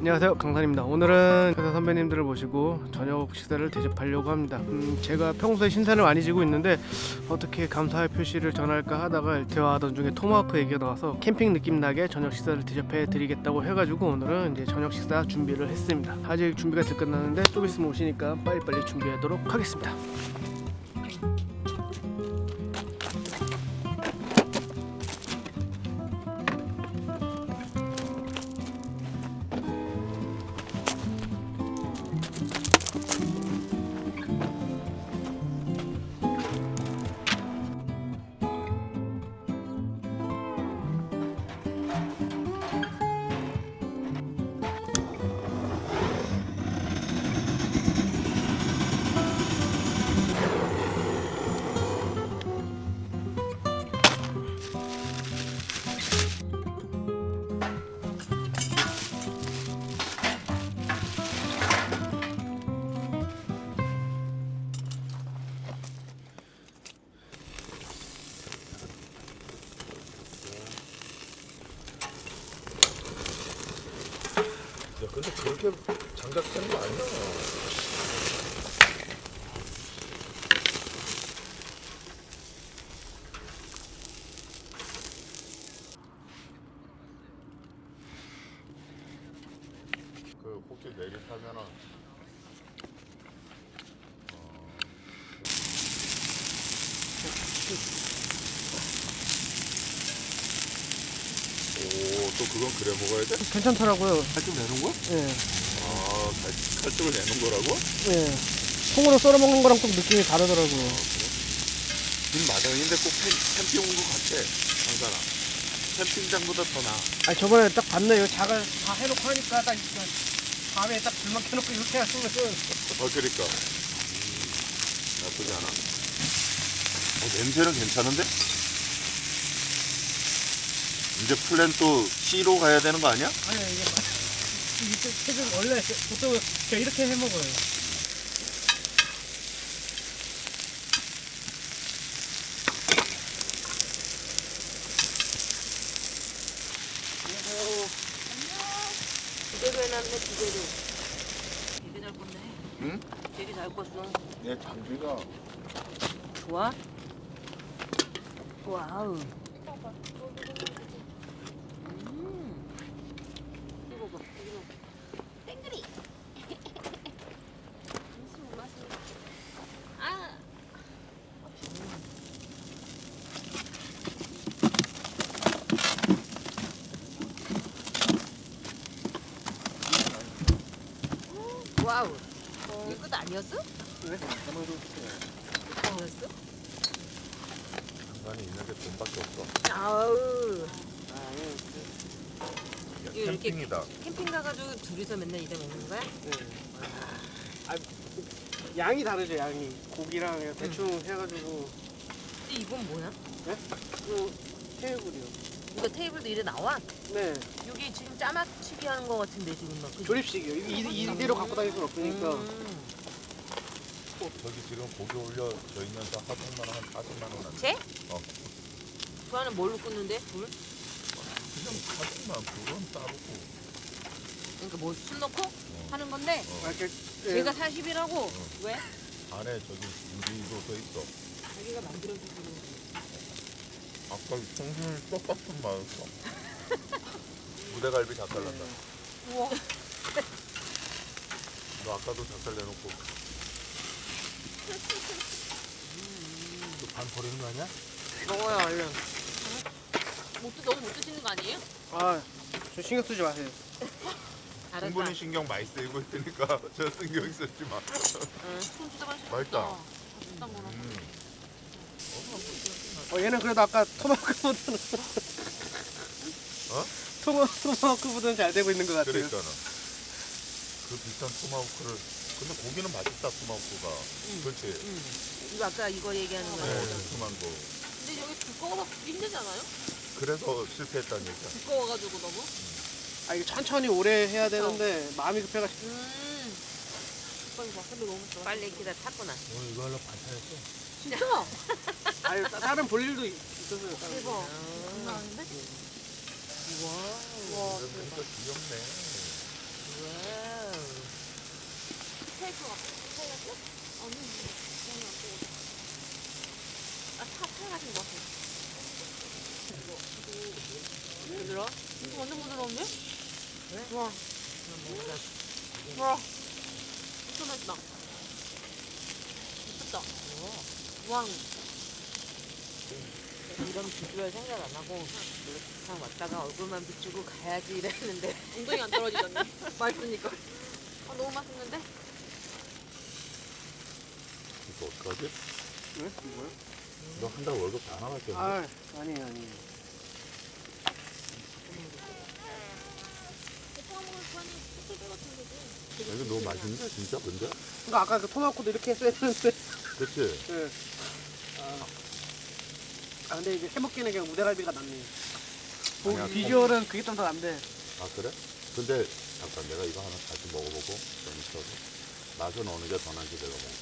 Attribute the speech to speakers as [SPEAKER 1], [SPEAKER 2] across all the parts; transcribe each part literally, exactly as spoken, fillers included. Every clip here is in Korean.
[SPEAKER 1] 안녕하세요, 강산입니다. 오늘은 회사 선배님들을 모시고 저녁 식사를 대접하려고 합니다. 음, 제가 평소에 신사를 많이 지고 있는데 어떻게 감사의 표시를 전할까 하다가 대화하던 중에 토마호크 얘기가 나와서 캠핑 느낌 나게 저녁 식사를 대접해 드리겠다고 해가지고 오늘은 이제 저녁 식사 준비를 했습니다. 아직 준비가 덜 끝났는데 좀 있으면 오시니까 빨리빨리 준비하도록 하겠습니다.
[SPEAKER 2] 야, 근데 그렇게 장작하는 거 아니야? 그 혹시 내리타면은 오, 또 그건 그래 먹어야 돼?
[SPEAKER 1] 괜찮더라고요.
[SPEAKER 2] 칼집 내는 거?
[SPEAKER 1] 예,
[SPEAKER 2] 아, 칼, 칼집을 내는 거라고?
[SPEAKER 1] 예. 통으로 썰어 먹는 거랑 좀 느낌이 다르더라고요.
[SPEAKER 2] 지금 마당인데 꼭 캠, 캠핑 온 거 같아, 항산아. 캠핑장보다 더 나아.
[SPEAKER 1] 아 저번에 딱 봤네요. 자갈 다 해놓고 하니까 딱 이렇게 밤에 딱 불만 켜놓고 이렇게 하시면은
[SPEAKER 2] 어, 그러니까. 음, 나쁘지 않아. 어, 냄새는 괜찮은데? 이제 플랜 또 C로 가야 되는 거 아니야?
[SPEAKER 1] 아니 이게 이게 책은 원래 보통 제가 이렇게 해 먹어요.
[SPEAKER 3] 기대로 해놨네, 기대로. 되게 잘 껐네.
[SPEAKER 2] 응?
[SPEAKER 3] 되게 잘 껐어.
[SPEAKER 2] 내 장비가
[SPEAKER 3] 좋아? 와우. 음. 이거 봐, 이거. 땡그리. 아. 와우. 이거 끝 아니었어?
[SPEAKER 1] 왜?
[SPEAKER 3] 아니었어?
[SPEAKER 2] 장관이 있는 게 돈밖에 없어.
[SPEAKER 3] 아우.
[SPEAKER 1] 아
[SPEAKER 2] 야,
[SPEAKER 3] 이거 이렇게-
[SPEAKER 2] 캠핑이다.
[SPEAKER 3] 캠핑 가가지고 둘이서 맨날 이래 먹는 거야?
[SPEAKER 1] 예. 네. 아 양이 다르죠 양이. 고기랑 그냥 대충 해가지고.
[SPEAKER 3] 근데 이건 뭐야?
[SPEAKER 1] 네? 그 테이블이요.
[SPEAKER 3] 이거 테이블도 이래 나와?
[SPEAKER 1] 네.
[SPEAKER 3] 여기 지금 짜맞추기 하는 거 같은데 지금 막. 그지?
[SPEAKER 1] 조립식이요. 이, 이, 이대로 갖고 다닐 순 없으니까.
[SPEAKER 3] 음.
[SPEAKER 2] 저기 지금 고기 올려져 있는데 하동만 한 사십만 원 하네.
[SPEAKER 3] 쟤?
[SPEAKER 2] 어.
[SPEAKER 3] 그 안에 뭘로 꽂는데? 불?
[SPEAKER 2] 그냥 사십만 그건 따르고.
[SPEAKER 3] 그러니까 뭐 술 넣고 하는 건데
[SPEAKER 1] 아, 이렇게, 예.
[SPEAKER 3] 제가 사십이라고? 왜?
[SPEAKER 2] 안에 저기 유리로 써 있어.
[SPEAKER 3] 자기가 만들어주고.
[SPEAKER 2] 아까 청순 똑같은 맛이었어. 무대갈비 작살 난다.
[SPEAKER 3] 우와.
[SPEAKER 2] 너 아까도 작살 내놓고. 반 버리는 거 아니야?
[SPEAKER 1] 먹어요 얼른.
[SPEAKER 3] 못 드, 너무 못 드시는 거 아니에요?
[SPEAKER 1] 아, 저 신경 쓰지 마세요.
[SPEAKER 3] 알았다.
[SPEAKER 2] 충분히 신경 많이 쓰이고 있으니까 저 신경 쓰지 마.
[SPEAKER 3] 응. 손 진짜 맛있다.
[SPEAKER 2] 맛있다.
[SPEAKER 3] 맛있다 뭐라.
[SPEAKER 2] 음.
[SPEAKER 1] 어 얘는 그래도 아까 토마호크보다는
[SPEAKER 2] 어?
[SPEAKER 1] 토마 토마호크보다는 잘 되고 있는 것 같아요.
[SPEAKER 2] 그러니까는 그 비싼 토마호크를 근데 고기는 맛있다 토마호크가.
[SPEAKER 3] 응.
[SPEAKER 2] 그렇지.
[SPEAKER 3] 응. 이거 아까 이거 얘기하는
[SPEAKER 2] 네,
[SPEAKER 3] 거야.
[SPEAKER 2] 두툼한 거.
[SPEAKER 4] 근데 여기 두꺼워서 힘들잖아요?
[SPEAKER 2] 그래서 실패했다는 얘기야.
[SPEAKER 4] 두꺼워가지고 너무?
[SPEAKER 1] 아 이게 천천히 오래 해야 되는데 마음이 급해가지고.
[SPEAKER 4] 음. 오빠 이거 봐. 근데 너무 좋아.
[SPEAKER 3] 빨리 기다 탔구나.
[SPEAKER 2] 오늘 이거 하려고 반찬했어.
[SPEAKER 4] 진짜?
[SPEAKER 1] 아니 따- 다른 볼 일도 있었어요. 다른
[SPEAKER 4] 대박.
[SPEAKER 1] 거.
[SPEAKER 4] 장난 아닌데?
[SPEAKER 3] 우와.
[SPEAKER 4] 와,
[SPEAKER 2] 그러니까 귀엽네.
[SPEAKER 4] 스테이크 같아. 스테이크? 아니, 그냥 안 먹어. 아, 차, 차 같은 거 같아. 부드러? 이거 완전 부드러운데? 와. 와. 진짜 맛있다. 미쳤다. 와.
[SPEAKER 3] 이런 비주얼 생각 안 하고 그냥 왔다가 얼굴만 비추고 가야지 이랬는데
[SPEAKER 4] 엉덩이 안 떨어지잖니. 맛있으니까. 아, 너무 맛있는데?
[SPEAKER 2] 이거 어떡하지?
[SPEAKER 1] 왜? 뭐야?
[SPEAKER 2] 너 한 달 월급 다 나갔겠네.
[SPEAKER 1] 아 아니에요 아니에요.
[SPEAKER 4] 오빠 먹을 거니 소스 같은 거지.
[SPEAKER 2] 이거 너무 맛있는데 진짜 근데?
[SPEAKER 1] 그러니까 아까 그 토마토도 이렇게 했어야 되는데.
[SPEAKER 2] 그치?
[SPEAKER 1] 네. 아, 아 근데 이제 해먹기는 그냥 우대갈비가 낫네요. 뭐
[SPEAKER 2] 아니야,
[SPEAKER 1] 비주얼은 그게 좀 더 난데.
[SPEAKER 2] 아 그래? 근데 잠깐 내가 이거 하나 다시 먹어보고 좀 있어서 맛은 어느 게 더 난지 내가 먹어.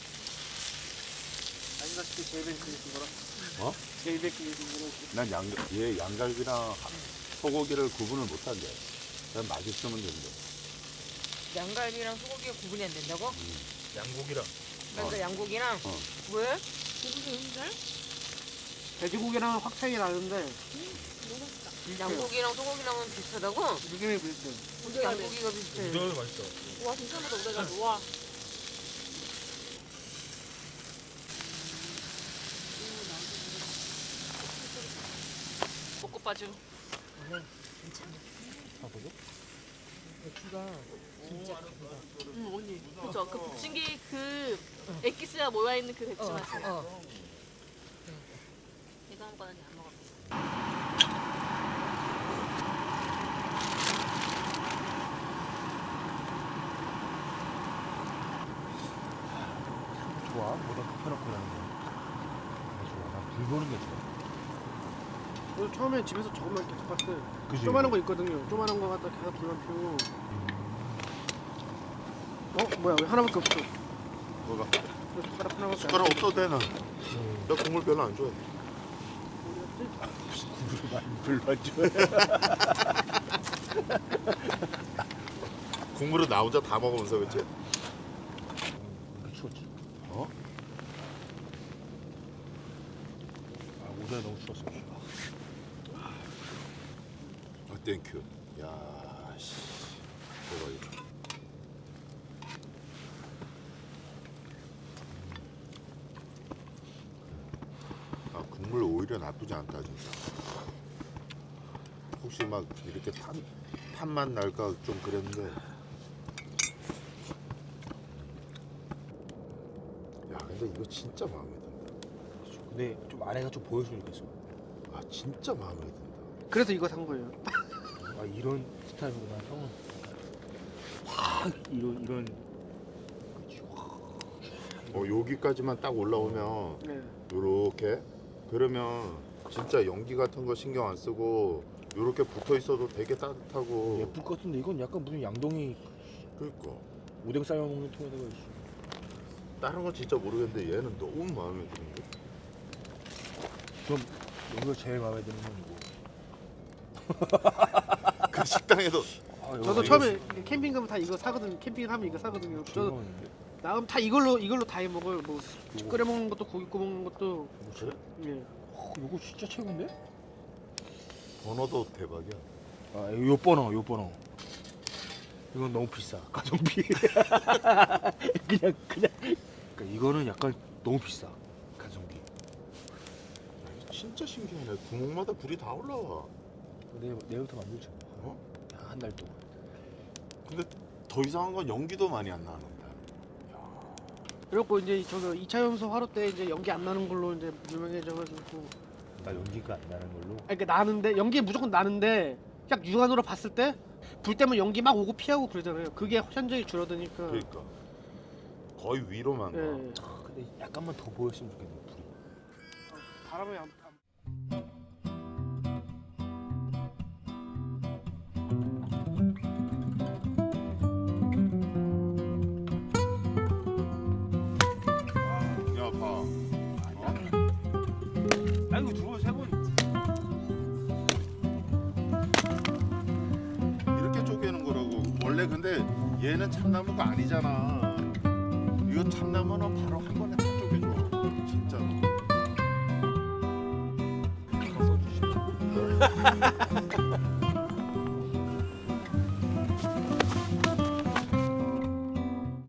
[SPEAKER 1] 아시다시피 제일 그게 그거라.
[SPEAKER 2] 어?
[SPEAKER 1] 제일 그게 그거라.
[SPEAKER 2] 난 양, 얘 양갈비랑 소고기를 구분을 못한대. 그냥 맛있으면 된대.
[SPEAKER 3] 양갈비랑 소고기가 구분이 안 된다고?
[SPEAKER 2] 양고기랑.
[SPEAKER 3] 그러니까 양고기랑
[SPEAKER 2] 어.
[SPEAKER 3] 왜?
[SPEAKER 4] 고기인데?
[SPEAKER 1] 돼지고기랑 확 차이 나는데
[SPEAKER 4] 너무 맛있다.
[SPEAKER 3] 양고기랑 소고기랑은 비슷하다고?
[SPEAKER 1] 느낌이 비슷해요.
[SPEAKER 3] 어떻게 양고기가 비슷해?
[SPEAKER 4] 와, 진짜 맛있다. 우대갈비. 와.
[SPEAKER 3] 먹고 빠져.
[SPEAKER 4] 응, 언니. 그쵸. 그 부침개 그 엑기스가 모여있는 그 대추 맛이.
[SPEAKER 3] 어.
[SPEAKER 4] 이거 한 거는 안 먹어.
[SPEAKER 5] 좋아. 뭐다 펴놓고 하는 거. 좋아. 난불 보는 게 좋아.
[SPEAKER 1] 저도 처음에 집에서 저것만 계속 봤어요.
[SPEAKER 5] 그지?
[SPEAKER 1] 조그만한 거 있거든요. 조그만한 거 갖다 계속 불만 피우고. 어? 뭐야 왜 하나밖에 없어?
[SPEAKER 2] 뭐가?
[SPEAKER 1] 왜 숟가락 하나밖에
[SPEAKER 2] 숟가락 없어도 돼, 난. 나 국물 별로 안 좋아해.
[SPEAKER 5] 국물을 많이 불러줘.
[SPEAKER 2] 국물은 나 혼자 다 먹으면서, 그치?
[SPEAKER 5] 왜 추웠지?
[SPEAKER 2] 어?
[SPEAKER 5] 아, 오늘 너무 추웠어.
[SPEAKER 2] 아, 땡큐. 야, 씨. 대박이다. 아, 국물 오히려 나쁘지 않다, 진짜. 혹시 막 이렇게 탄, 탄맛 날까 좀 그랬는데. 야, 근데 이거 진짜 마음에 든다.
[SPEAKER 5] 근데 좀 안에가 좀 보였으면 좋겠어.
[SPEAKER 2] 아, 진짜 마음에 든다.
[SPEAKER 1] 그래서 이거 산 거예요.
[SPEAKER 5] 아, 이런 스타일이구나. 형은 확 이런 이런 그치, 확.
[SPEAKER 2] 어, 여기까지만 딱 올라오면
[SPEAKER 1] 네.
[SPEAKER 2] 요렇게 그러면 진짜 연기 같은 거 신경 안 쓰고 요렇게 붙어 있어도 되게 따뜻하고.
[SPEAKER 5] 예쁠 것 같은데 이건 약간 무슨 양동이
[SPEAKER 2] 그러니까
[SPEAKER 5] 오뎅 삶아 먹는 통에다가 있어.
[SPEAKER 2] 다른 건 진짜 모르겠는데 얘는 너무 마음에 드는데.
[SPEAKER 5] 그럼 여기가 제일 마음에 드는 건 이거.
[SPEAKER 2] 그 식당에도
[SPEAKER 5] 아, 여기
[SPEAKER 1] 저도
[SPEAKER 5] 이거
[SPEAKER 1] 처음에 캠핑 가면 다 이거 사거든요. 캠핑을 하면 이거 사거든요. 저도
[SPEAKER 5] 즐거웠는데.
[SPEAKER 1] 나가면 다 이걸로 이걸로 다 해 먹어요. 뭐
[SPEAKER 5] 이거.
[SPEAKER 1] 끓여 먹는 것도 고기 구워 먹는 것도.
[SPEAKER 2] 그래?
[SPEAKER 1] 예.
[SPEAKER 5] 어, 이거 진짜 최고인데?
[SPEAKER 2] 번호도 대박이야.
[SPEAKER 5] 아, 요 번호, 요 번호. 이건 너무 비싸. 가성비. 그냥 그냥. 그러니까 이거는 약간 너무 비싸. 가성비.
[SPEAKER 2] 야, 이거 진짜 신기하네. 구멍마다 불이 다 올라와.
[SPEAKER 5] 내일 내일부터 만들자.
[SPEAKER 2] 어?
[SPEAKER 5] 한 달 동안.
[SPEAKER 2] 근데 더 이상한 건 연기도 많이 안 나는데.
[SPEAKER 1] 그리고 이제 저거 이 차 연소 화로 때 이제 연기 안 나는 걸로 이제 유명해져가지고.
[SPEAKER 5] 나 연기가 안 나는 걸로.
[SPEAKER 1] 아니 그러니까 나는데 연기 무조건 나는데 그냥 육안으로 봤을 때 불 때면 연기 막 오고 피하고 그러잖아요. 그게 현저히 줄어드니까.
[SPEAKER 2] 그러니까 거의 위로만 가.
[SPEAKER 1] 예.
[SPEAKER 5] 아, 근데 약간만 더 보였으면 좋겠네. 불이.
[SPEAKER 1] 바람이 안.
[SPEAKER 2] 야, 봐.
[SPEAKER 5] 나 이거 두번 세 번.
[SPEAKER 2] 이렇게 쪼개는 거라고. 원래 그래 근데 얘는 참나무가 아니잖아. 이거 참나무는 바로 한 번에 다 쪼개줘. 진짜로.
[SPEAKER 5] 써주시면